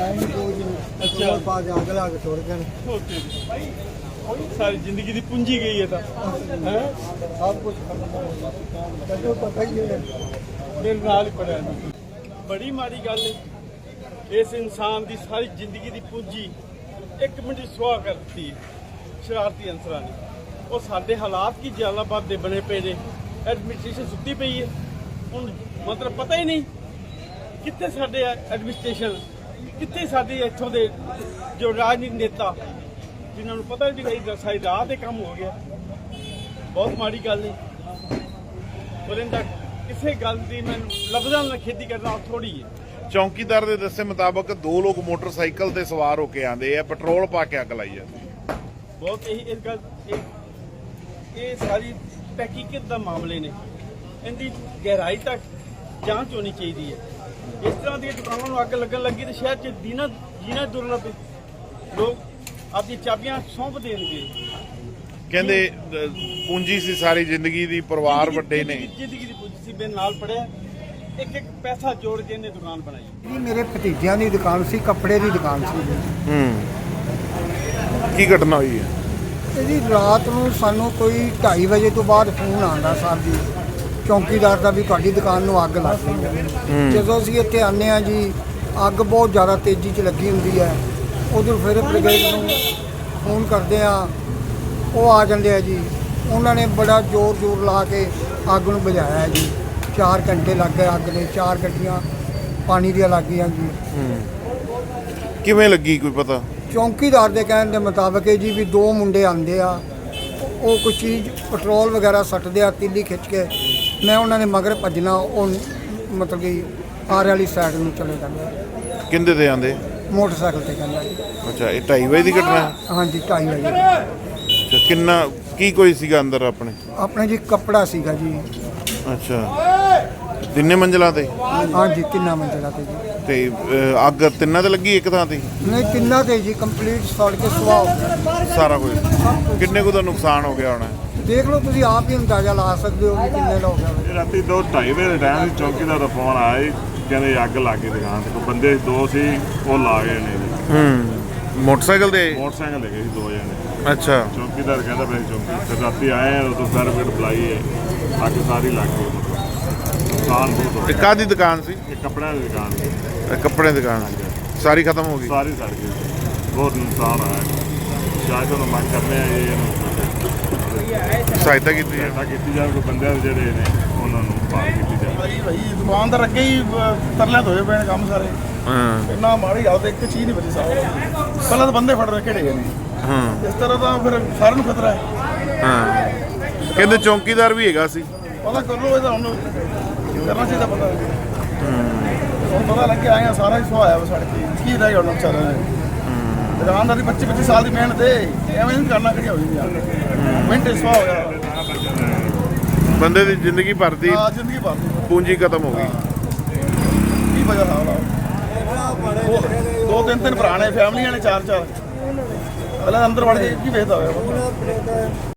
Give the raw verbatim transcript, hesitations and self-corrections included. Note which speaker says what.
Speaker 1: अच्छा सारी जिंदगी की पूंजी गई है सब कुछ मेरे नाल ही पड़ा बड़ी माड़ी गल है इस इंसान की सारी जिंदगी की पूंजी एक मिनट सुहा कर दी शरारती अंसर ने और साडे हालात की जलालाबाद दे बने पे ने एडमिनिस्ट्रेशन सुती पई है हुण मतलब पता ही नहीं कितने साडे एडमिनिस्ट्रेशन कितने साडे इत्थों दे जो राजनीतिक नेता जिन्होंने पता भी नहीं सारी रात ही काम हो गया बहुत माड़ी गल है और इनका किसी गल की मैं लफ्ज़ां नाल खेती करना थोड़ी है।
Speaker 2: चौकीदार के दस्से मुताबक दो लोग मोटरसाइकिल से सवार होके आते हैं पेट्रोल पा के अग लाई जाती
Speaker 1: बहुत यही इस गल ये सारी तहकीकत का मामले ने इनकी गहराई तक जांच होनी चाहिए है। इस तरह की दुकानों को अग लगन लगी तो शहर च दीना जीना दुरना पे लोग अपनी चाबियां सौंप देंगे
Speaker 2: कहते पूंजी सी सारी जिंदगी दी परिवार वड्डे ने
Speaker 1: जिंदगी की पूंजी सी मेरे नाल पड़िया एक एक पैसा जोड़ के इन्हें दुकान बनाई।
Speaker 3: मेरे भतीजिਆਂ ਦੀ ਦੁਕਾਨ ਸੀ ਕੱਪੜੇ ਦੀ ਦੁਕਾਨ ਸੀ
Speaker 2: ਹੂੰ ਕੀ ਘਟਨਾ ਹੋਈ ਹੈ
Speaker 3: ਇਹਦੀ ਰਾਤ ਨੂੰ ਸਾਨੂੰ ਕੋਈ ਢਾਈ ਵਜੇ ਤੋਂ ਬਾਅਦ ਫੋਨ ਆਉਂਦਾ ਸਾਹਿਬ ਜੀ ਚੌਕੀਦਾਰ ਦਾ ਵੀ ਤੁਹਾਡੀ ਦੁਕਾਨ ਨੂੰ ਅੱਗ ਲੱਗ ਗਈ ਹੈ। ਜਦੋਂ ਅਸੀਂ ਇੱਥੇ ਆਉਂਦੇ ਹਾਂ ਜੀ ਅੱਗ ਬਹੁਤ ਜ਼ਿਆਦਾ ਤੇਜ਼ੀ 'ਚ ਲੱਗੀ ਹੁੰਦੀ ਹੈ ਉਧਰ ਫਿਰ ਬ੍ਰਿਗੇਡ ਨੂੰ ਫੋਨ ਕਰਦੇ ਆ ਉਹ ਆ ਜਾਂਦੇ ਆ ਜੀ ਉਹਨਾਂ ਨੇ ਬੜਾ ਜ਼ੋਰ ਜ਼ੋਰ ਲਾ ਕੇ ਅੱਗ ਨੂੰ ਬੁਝਾਇਆ ਹੈ ਜੀ ਚਾਰ ਘੰਟੇ ਲੱਗ ਗਏ ਅੱਗ ਦੇ ਚਾਰ ਗੱਡੀਆਂ ਪਾਣੀ ਦੀਆਂ ਲੱਗ ਗਈਆਂ ਜੀ।
Speaker 2: ਕਿਵੇਂ ਲੱਗੀ ਕੋਈ ਪਤਾ
Speaker 3: ਚੌਕੀਦਾਰ ਦੇ ਕਹਿਣ ਦੇ ਮੁਤਾਬਕ ਹੈ ਜੀ ਵੀ ਦੋ ਮੁੰਡੇ ਆਉਂਦੇ ਆ ਉਹ ਕੋਈ ਚੀਜ਼ ਪੈਟਰੋਲ ਵਗੈਰਾ ਸੱਟਦੇ ਆ ਤੀਲੀ ਖਿੱਚ ਕੇ ਮੈਂ ਉਹਨਾਂ ਨੇ ਮਗਰ ਭੱਜਣਾ ਉਹ ਮਤਲਬ ਕਿ ਆਰ ਵਾਲੀ ਸਾਈਡ ਨੂੰ ਚਲੇ ਜਾਂਦੇ
Speaker 2: ਕਿੰਦੇ ਤੇ ਆਂਦੇ
Speaker 3: ਮੋਟਰਸਾਈਕਲ ਤੇ ਕਹਿੰਦਾ ਜੀ।
Speaker 2: ਅੱਛਾ ਇਹ ਢਾਈ ਵਜੇ ਦੀ ਘਟਨਾ ਹੈ?
Speaker 3: ਹਾਂਜੀ ਢਾਈ ਵਜੇ
Speaker 2: ਅੱਛਾ ਕਿੰਨਾ ਕੀ ਕੋਈ ਸੀਗਾ ਅੰਦਰ ਆਪਣੇ
Speaker 3: ਆਪਣੇ ਜੀ ਕੱਪੜਾ ਸੀਗਾ ਜੀ।
Speaker 2: ਅੱਛਾ ਤਿੰਨੇ ਮੰਜ਼ਲਾਂ ਤੇ
Speaker 3: ਹਾਂਜੀ ਤਿੰਨਾਂ ਮੰਜ਼ਿਲਾਂ ਤੇ ਜੀ
Speaker 2: ਤੇ ਅਹ, ਅੱਗ ਤਿੰਨਾਂ ਤੇ ਲੱਗੀ ਇੱਕ ਥਾਂ ਤੇ
Speaker 3: ਨਹੀਂ ਤਿੰਨਾਂ ਤੇ ਜੀ ਕੰਪਲੀਟ ਸੜ ਕੇ ਸੁਆਹ ਹੋ ਗਿਆ
Speaker 2: ਸਾਰਾ ਕੁਝ ਕਿੰਨੇ ਕੁ ਦਾ ਨੁਕਸਾਨ ਹੋ ਗਿਆ ਹੋਣਾ
Speaker 3: ਦੇਖ ਲਓ ਤੁਸੀਂ ਆਪ ਹੀ ਅੰਦਾਜ਼ਾ ਲਾ ਸਕਦੇ ਹੋ ਕਿ ਕਿੰਨੇ ਦਾ ਹੋ ਗਿਆ
Speaker 4: ਇਹ ਰਾਤੀ ਦੋ ਢਾਈ ਵਜੇ ਦੇ ਟਾਈਮ ਸੀ ਚੌਕੀਦਾਰ ਦਾ ਫੋਨ ਆਇਆ ਜੀ ਕਹਿੰਦੇ ਅੱਗ ਲੱਗ ਗਈ ਦੁਕਾਨ ਤੇ ਕੋਈ ਬੰਦੇ ਦੋ ਸੀ ਉਹ ਲਾ ਗਏ ਨੇ ਜੀ।
Speaker 2: ਹੂੰ ਮੋਟਰਸਾਈਕਲ ਤੇ
Speaker 4: ਮੋਟਰਸਾਈਕਲ ਲੈ ਗਏ ਸੀ ਦੋ ਜਣੇ
Speaker 2: ਅੱਛਾ
Speaker 4: ਚੌਕੀਦਾਰ ਕਹਿੰਦਾ ਬਈ ਚੌਕੀ ਫਿਰ ਰਾਤੀ ਆਏ ਆ ਉਦੋਂ ਫਾਇਰ ਬ੍ਰਿਗੇਡ ਬੁਲਾਈ ਹੈ ਅੱਗ ਸਾਰੀ ਲੱਗ ਗਈ ਨੁਕਸਾਨ ਬਹੁਤ ਹੋ
Speaker 2: ਤੇ
Speaker 4: ਗਿਆ।
Speaker 2: ਕਾਹਦੀ ਦੁਕਾਨ ਸੀ
Speaker 4: ਇਹ ਕੱਪੜਿਆਂ ਦੀ ਦੁਕਾਨ ਸੀ
Speaker 2: ਇਹ ਕੱਪੜੇ ਦੀ ਦੁਕਾਨ ਸਾਰੀ ਖਤਮ ਹੋ ਗਈ
Speaker 4: ਸਾਰੀ ਸੜ ਗਈ ਬਹੁਤ ਨੁਕਸਾਨ ਹੋਇਆ ਸ਼ਾਇਦ ਉਹਨੂੰ ਮੰਗ ਕਰਨੇ ਆ ਜੀ ਇਹਨੂੰ
Speaker 2: ਸਹਾਇਤਾ ਕੀਤੀ ਹੈ
Speaker 4: ਸਹਾਇਤਾ ਕੀਤੀ ਜਾਵੇ ਕੋਈ ਬੰਦੇ ਜਿਹੜੇ ਨੇ ਉਹਨਾਂ ਨੂੰ ਬਾਹਰ ਕੀਤੀ ਜਾਵੇ
Speaker 1: ਭਾਈ ਭਾਈ ਦੁਕਾਨਦਾਰ ਅੱਗੇ ਹੀ ਤਰਲਿਆਂ ਹੋਏ ਪਏ ਨੇ ਕੰਮ ਸਾਰੇ
Speaker 2: ਹਾਂ
Speaker 1: ਇੰਨਾ ਮਾੜੀ ਹਾਲਤ ਇੱਕ ਚੀਜ਼ ਨਹੀਂ ਬਚੀ ਸਾਹਿਬ ਪਹਿਲਾਂ ਤਾਂ ਬੰਦੇ ਫੜ ਰਹੇ ਕਿਹੜੇ ਗਏ ਨੇ
Speaker 2: ਹਾਂ
Speaker 1: ਇਸ ਤਰ੍ਹਾਂ ਤਾਂ ਫਿਰ ਸਾਰਿਆਂ ਨੂੰ ਖਤਰਾ ਹੈ।
Speaker 2: ਹਾਂ ਕਹਿੰਦੇ ਚੌਕੀਦਾਰ ਵੀ ਹੈਗਾ ਸੀ
Speaker 1: ਪਤਾ ਕਰ ਲਓ ਇਹਦਾ ਹੁਣ ਕਰਨਾ ਚਾਹੀਦਾ ਪਤਾ ਹੁਣ ਪਤਾ ਲੱਗ ਗਿਆ ਆਇਆ ਸਾਰਾ ਹੀ ਸੁਹਾਇਆ ਵਾ ਸੜਕ ਤੇ ਕੀ ਰਹਿ ਗਿਆ ਹੁਣ ਵਿਚਾਰਾ ਦੁਕਾਨਦਾਰ ਦੀ ਪੱਚੀ ਪੱਚੀ ਸਾਲ ਦੀ ਮਿਹਨਤ ਹੈ ਐਵੇਂ ਨਹੀਂ ਕਰਨਾ ਕਿਹੜੀ ਹੋਈ ਯਾਰ ਮਿੰਟੇ ਸੁਹਾ ਹੋ ਗਿਆ
Speaker 2: ਬੰਦੇ ਦੀ ਜ਼ਿੰਦਗੀ ਭਰ ਦੀ
Speaker 1: ਆ ਜ਼ਿੰਦਗੀ ਭਰ ਦੀ
Speaker 2: ਪੂੰਜੀ ਖਤਮ ਹੋ ਗਈ
Speaker 1: ਕੀ ਵਜ੍ਹਾ ਨਾਲ ਦੋ ਤਿੰਨ ਤਿੰਨ ਭਰਾ ਨੇ ਫੈਮਲੀਆਂ ਨੇ ਚਾਰ ਚਾਰ ਪਹਿਲਾਂ ਅੰਦਰ ਵੜ ਕੇ ਕੀ ਵੇਖਦਾ ਹੋਇਆ